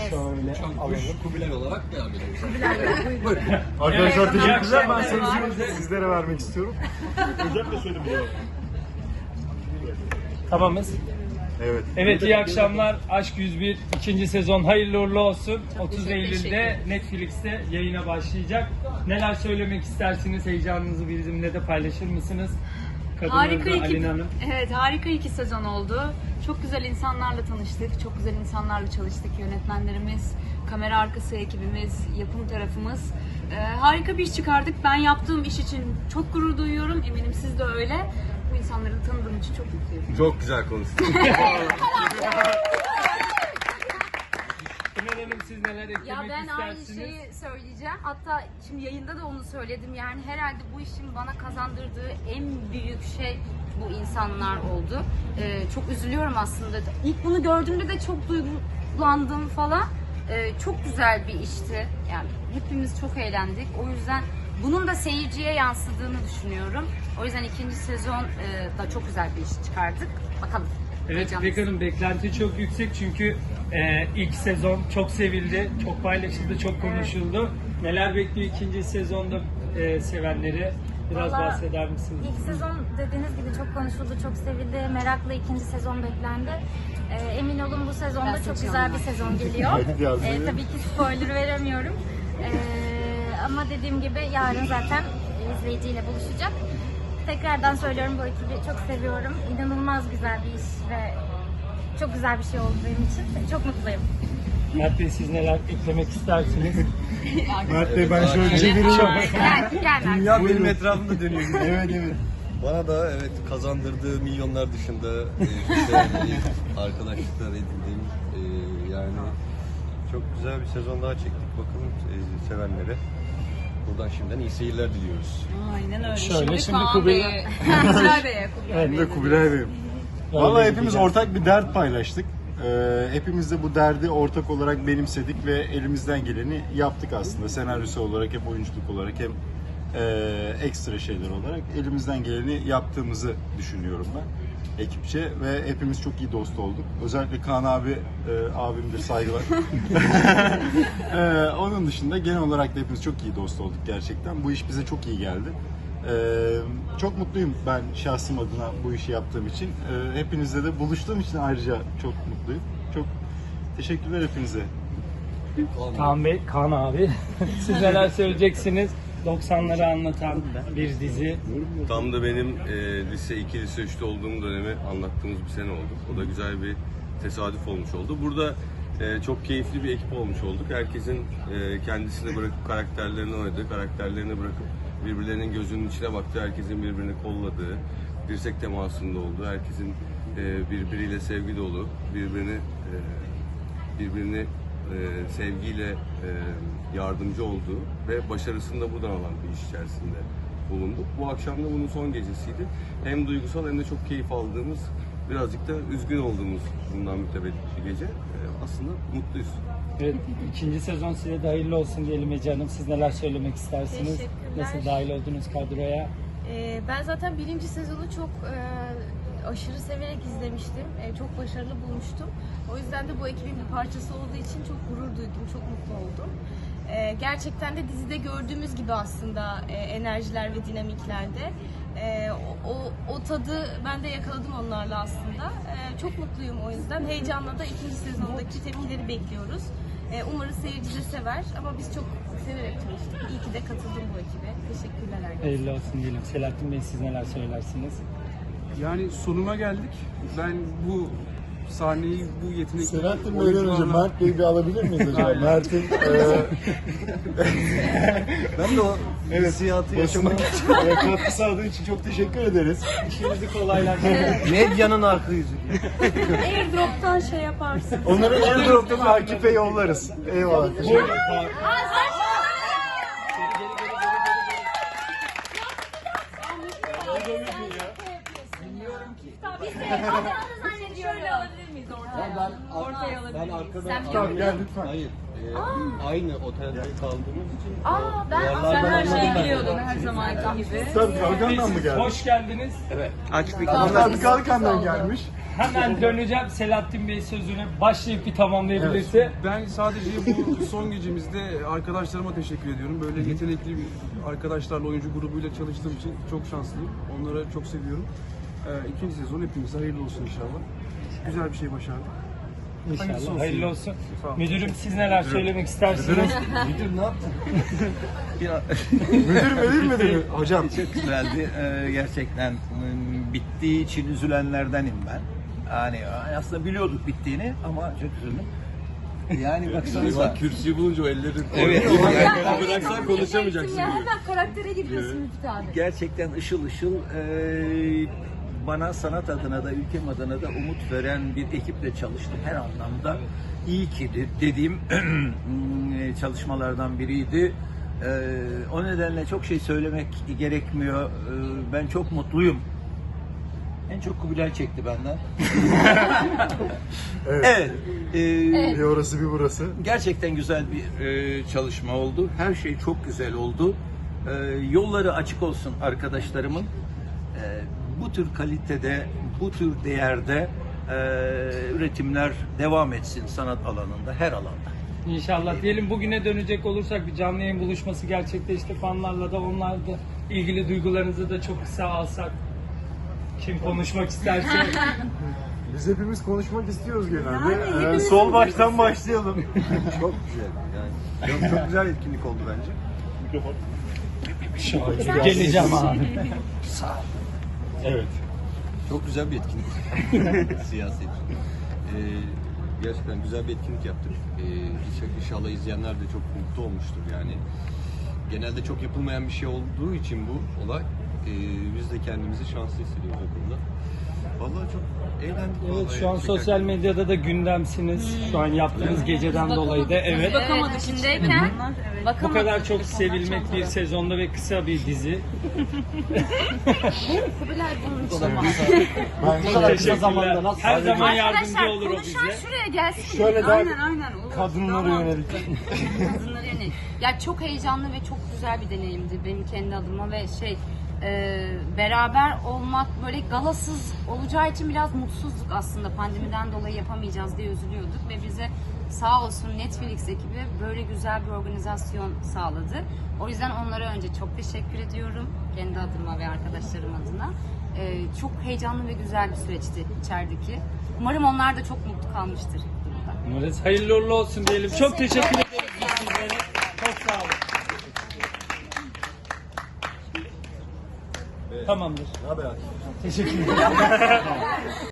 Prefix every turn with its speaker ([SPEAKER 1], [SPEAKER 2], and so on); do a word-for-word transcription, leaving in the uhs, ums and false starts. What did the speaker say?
[SPEAKER 1] Şöyle alalım.
[SPEAKER 2] Kubilay olarak devam edelim.
[SPEAKER 1] Buyurun.
[SPEAKER 3] Arkadaşlar
[SPEAKER 1] Evet,
[SPEAKER 3] teşekkürler. Ben
[SPEAKER 1] akşamlar.
[SPEAKER 3] sözü sizlere vermek istiyorum. Özellikle söyledim bunu.
[SPEAKER 1] Tamamız.
[SPEAKER 3] Evet.
[SPEAKER 1] Evet, iyi akşamlar. Aşk yüz bir ikinci sezon hayırlı uğurlu olsun. otuz Eylül'de Netflix'te yayına başlayacak. Neler söylemek istersiniz? Heyecanınızı bizimle de paylaşır mısınız?
[SPEAKER 4] Harika
[SPEAKER 1] Kadınlarınızla
[SPEAKER 4] iki,
[SPEAKER 1] Alin Hanım.
[SPEAKER 4] evet harika iki sezon oldu. Çok güzel insanlarla tanıştık, çok güzel insanlarla çalıştık. Yönetmenlerimiz, kamera arkası ekibimiz, yapım tarafımız. Ee, harika bir iş çıkardık. Ben yaptığım iş için çok gurur duyuyorum. Eminim siz de öyle. Bu insanları tanıdığım için çok mutluyum.
[SPEAKER 2] Çok güzel konuştun.
[SPEAKER 1] Pınar Hanım, siz neler eklemek
[SPEAKER 5] Ya ben aynı
[SPEAKER 1] istersiniz?
[SPEAKER 5] şeyi söyleyeceğim. Hatta şimdi yayında da onu söyledim. Yani herhalde bu işin bana kazandırdığı en büyük şey bu insanlar oldu. Ee, çok üzülüyorum aslında. İlk bunu gördüğümde de çok duygulandım falan. Ee, çok güzel bir işti. Yani hepimiz çok eğlendik. O yüzden bunun da seyirciye yansıdığını düşünüyorum. O yüzden ikinci sezon e, da çok güzel bir iş çıkardık. Bakalım.
[SPEAKER 1] Evet,
[SPEAKER 5] Heyecanlıyız.
[SPEAKER 1] İpek Hanım, beklenti çok yüksek çünkü e, ilk sezon çok sevildi, çok paylaşıldı, çok konuşuldu. Neler bekliyor ikinci sezonda e, sevenleri? Biraz
[SPEAKER 6] Vallahi
[SPEAKER 1] bahseder misiniz?
[SPEAKER 6] İlk sezon dediğiniz gibi çok konuşuldu, çok sevildi. Merakla ikinci sezon beklendi. Ee, emin olun bu sezonda
[SPEAKER 4] Ben
[SPEAKER 6] çok
[SPEAKER 4] seçiyorum
[SPEAKER 6] güzel
[SPEAKER 4] ben.
[SPEAKER 6] bir sezon geliyor.
[SPEAKER 3] Hadi diyoruz.
[SPEAKER 6] Ee, tabii ki spoiler veremiyorum. Ee, ama dediğim gibi yarın zaten izleyiciyle buluşacak. Tekrardan söylüyorum, bu ekibi çok seviyorum. İnanılmaz güzel bir iş ve çok güzel bir şey oldu benim için. Çok mutluyum.
[SPEAKER 1] Mert Bey, siz neler eklemek istersiniz?
[SPEAKER 3] Mert Bey, ben şöyle çevireyim.
[SPEAKER 5] Gel, gel Mert.
[SPEAKER 2] Dünya benim etrafımda dönüyor.
[SPEAKER 3] Evet evet.
[SPEAKER 2] Bana da evet kazandırdığı milyonlar dışında e, güzel bir arkadaşlıklar edindim. E, yani çok güzel bir sezon daha çektik. Bakalım e, sevenlere. Buradan şimdiden iyi seyirler diliyoruz.
[SPEAKER 4] Aynen öyle.
[SPEAKER 1] Şöyle, şimdi
[SPEAKER 4] Kaan
[SPEAKER 1] Kubilay-
[SPEAKER 4] Bey'e, Kubilay Bey'e, Kubilay
[SPEAKER 3] Ben
[SPEAKER 4] Bey'e
[SPEAKER 3] de Kubilay Bey'im. Vallahi
[SPEAKER 1] Öyle
[SPEAKER 3] hepimiz
[SPEAKER 1] gideceğiz.
[SPEAKER 3] ortak bir dert paylaştık. Ee, hepimiz de bu derdi ortak olarak benimsedik ve elimizden geleni yaptık aslında. Senaryosu olarak hem oyunculuk olarak hem e, ekstra şeyler olarak elimizden geleni yaptığımızı düşünüyorum ben ekipçe ve hepimiz çok iyi dost olduk. Özellikle Kaan abi e, abimdir, saygılar. e, onun dışında genel olarak da hepimiz çok iyi dost olduk gerçekten. Bu iş bize çok iyi geldi. Ee, çok mutluyum ben şahsım adına bu işi yaptığım için. Ee, hepinizle de buluştuğum için ayrıca çok mutluyum. Çok teşekkürler hepinize.
[SPEAKER 1] Kaan Bey, Kaan abi, siz neler söyleyeceksiniz? doksanları anlatan bir dizi.
[SPEAKER 2] Tam da benim e, lise iki, lise üçte olduğum dönemi anlattığımız bir sene oldu. O da güzel bir tesadüf olmuş oldu. Burada e, çok keyifli bir ekip olmuş olduk. Herkesin e, kendisini bırakıp karakterlerini oynadığı, karakterlerini bırakıp birbirlerinin gözünün içine baktığı, herkesin birbirini kolladığı, dirsek temasında olduğu, herkesin e, birbiriyle sevgi dolu, birbirini e, birbirini e, sevgiyle e, yardımcı olduğu ve başarısını da buradan alan bir iş içerisinde bulunduk. Bu akşam da bunun son gecesiydi. Hem duygusal hem de çok keyif aldığımız, birazcık da üzgün olduğumuz bundan mütevellit bir gece. E, aslında mutluyuz.
[SPEAKER 1] Evet, ikinci sezon size de hayırlı olsun diyelim Ece Hanım. Siz neler söylemek istersiniz?
[SPEAKER 7] Teşekkürler.
[SPEAKER 1] Nasıl dahil oldunuz kadroya?
[SPEAKER 7] Ee, ben zaten birinci sezonu çok e, aşırı severek izlemiştim. E, çok başarılı bulmuştum. O yüzden de bu ekibin bir parçası olduğu için çok gurur duydum, çok mutlu oldum. E, gerçekten de dizide gördüğümüz gibi aslında e, enerjiler ve dinamiklerde. E, o, o, o tadı ben de yakaladım onlarla aslında. E, çok mutluyum o yüzden. Heyecanla da ikinci sezondaki tepkileri bekliyoruz. E, umarız seyirci de sever ama biz çok severek çalıştık. İyi ki de katıldım bu ekibe. Teşekkürler herkese.
[SPEAKER 1] Hayırlı olsun diyelim. Selahattin Bey, siz neler söylersiniz?
[SPEAKER 8] Yani sonuna geldik. Ben bu sahneyi, bu yetenekli
[SPEAKER 3] Selahattin Bey'den önce Mert Bey'i bir alabilir miyiz acaba? Mert'in e,
[SPEAKER 2] Ben de o
[SPEAKER 3] evet,
[SPEAKER 2] hissiyatı
[SPEAKER 3] basına
[SPEAKER 2] yaşamak
[SPEAKER 3] e, katkı sağladığı için çok teşekkür ederiz.
[SPEAKER 1] İşinizi kolaylaştırın.
[SPEAKER 2] medyanın arka yüzü.
[SPEAKER 7] Airdrop'tan şey yaparsın.
[SPEAKER 3] Onları airdrop'tan Akif'e yollarız. Eyvallah. Teşekkür
[SPEAKER 1] Buyurun Kaan.
[SPEAKER 4] Ortaya alabilir miyiz?
[SPEAKER 3] Tamam, gel lütfen.
[SPEAKER 2] Hayır. e, aynı otelde kaldığımız için
[SPEAKER 5] Aa, ben
[SPEAKER 4] Sen her şeyi biliyordun her zamanki gibi.
[SPEAKER 3] Tabii Kalkan'dan mı geldi?
[SPEAKER 1] Hoş geldiniz.
[SPEAKER 2] Akif
[SPEAKER 3] Hatta Kalkan'dan gelmiş.
[SPEAKER 1] Hemen döneceğim Selahattin Bey sözüne. Başlayıp bir tamamlayabilirse.
[SPEAKER 8] Ben sadece bu son gecemizde arkadaşlarıma teşekkür ediyorum. Böyle yetenekli bir arkadaşlarla, oyuncu grubuyla çalıştığım için çok şanslıyım. Onları çok seviyorum. Ee, ikinci sezon hepimize hayırlı olsun inşallah. Güzel bir şey başardık. Hayırlısı
[SPEAKER 1] İnşallah.
[SPEAKER 8] olsun.
[SPEAKER 1] Hayırlı olsun.
[SPEAKER 8] Sağ olun.
[SPEAKER 1] Müdürüm siz neler söylemek istersiniz?
[SPEAKER 9] Müdür ne yaptın?
[SPEAKER 3] Müdür müdür müdür? Hocam.
[SPEAKER 9] Çok güzeldi. Ee, gerçekten ım, bittiği için üzülenlerdenim ben. Yani aslında biliyorduk bittiğini ama çok üzüldüm. Yani baksanıza.
[SPEAKER 2] Kürsüyü bulunca o elleri
[SPEAKER 9] Evet.
[SPEAKER 2] yani, bıraksan konuşamayacaksın.
[SPEAKER 4] Ya hemen karaktere giriyorsun Müftü abi.
[SPEAKER 9] Gerçekten ışıl ışıl e, bana sanat adına da ülkem adına da umut veren bir ekiple çalıştım her anlamda. İyi ki de- dediğim çalışmalardan biriydi. E, o nedenle çok şey söylemek gerekmiyor. E, ben çok mutluyum. En çok Kubilay çekti benden. Evet. e,
[SPEAKER 3] Bir orası bir burası.
[SPEAKER 9] Gerçekten güzel bir e, çalışma oldu. Her şey çok güzel oldu. E, yolları açık olsun arkadaşlarımın. E, bu tür kalitede, bu tür değerde e, üretimler devam etsin sanat alanında, her alanda.
[SPEAKER 1] İnşallah diyelim. Bugüne dönecek olursak bir canlı yayın buluşması gerçekleşti. Fanlarla da onlarla da ilgili duygularınızı da çok kısa alsak. Kim konuşmak isterse.
[SPEAKER 3] Biz hepimiz konuşmak istiyoruz genelde. Ee, sol baştan başlayalım.
[SPEAKER 2] Çok güzel yani. Çok, çok güzel etkinlik oldu bence.
[SPEAKER 1] Geleceğim abi.
[SPEAKER 3] Evet.
[SPEAKER 2] Çok güzel bir etkinlik. Siyaset. Ee, gerçekten güzel bir etkinlik yaptık. Ee, inşallah izleyenler de çok mutlu olmuştur yani. Genelde çok yapılmayan bir şey olduğu için bu olay. Ee, biz de kendimizi şanslı hissediyoruz o konuda. Vallahi çok eğlendik.
[SPEAKER 1] Evet
[SPEAKER 2] vallahi.
[SPEAKER 1] şu an
[SPEAKER 2] Gerçekten.
[SPEAKER 1] sosyal medyada da gündemsiniz. Şu an yaptığınız geceden dolayı da evet.
[SPEAKER 4] Bakamadık
[SPEAKER 5] Evet, içindeyken
[SPEAKER 1] Bu
[SPEAKER 5] bakamadık.
[SPEAKER 1] kadar çok
[SPEAKER 5] Onlar
[SPEAKER 1] sevilmek
[SPEAKER 5] çok
[SPEAKER 1] bir
[SPEAKER 5] zor.
[SPEAKER 1] sezonda ve kısa bir dizi.
[SPEAKER 5] Kubilay bunun için.
[SPEAKER 3] Ben
[SPEAKER 1] Teşekkürler. Her zaman yardımcı
[SPEAKER 5] Arkadaşlar
[SPEAKER 1] olur o
[SPEAKER 5] konuşan
[SPEAKER 1] bize.
[SPEAKER 5] şuraya gelsin.
[SPEAKER 3] Şöyle daha
[SPEAKER 4] Aynen aynen. olur.
[SPEAKER 3] kadınlara
[SPEAKER 4] Tamam.
[SPEAKER 3] yönelik.
[SPEAKER 5] Kadınları yönelik. Ya çok heyecanlı ve çok güzel bir deneyimdi benim kendi adıma ve şey e, beraber olmak böyle galasız olacağı için biraz mutsuzduk aslında, pandemiden dolayı yapamayacağız diye üzülüyorduk ve bize sağ olsun Netflix ekibi böyle güzel bir organizasyon sağladı. O yüzden onlara önce çok teşekkür ediyorum kendi adıma ve arkadaşlarım adına. E, çok heyecanlı ve güzel bir süreçti içerideki. Umarım onlar da çok mutlu kalmıştır.
[SPEAKER 1] Umarız hayırlı uğurlu olsun diyelim. Çok teşekkür ederiz biz sizlere. Çok sağ olun. Tamamdır.
[SPEAKER 2] Ne haber?
[SPEAKER 1] Teşekkür ederim.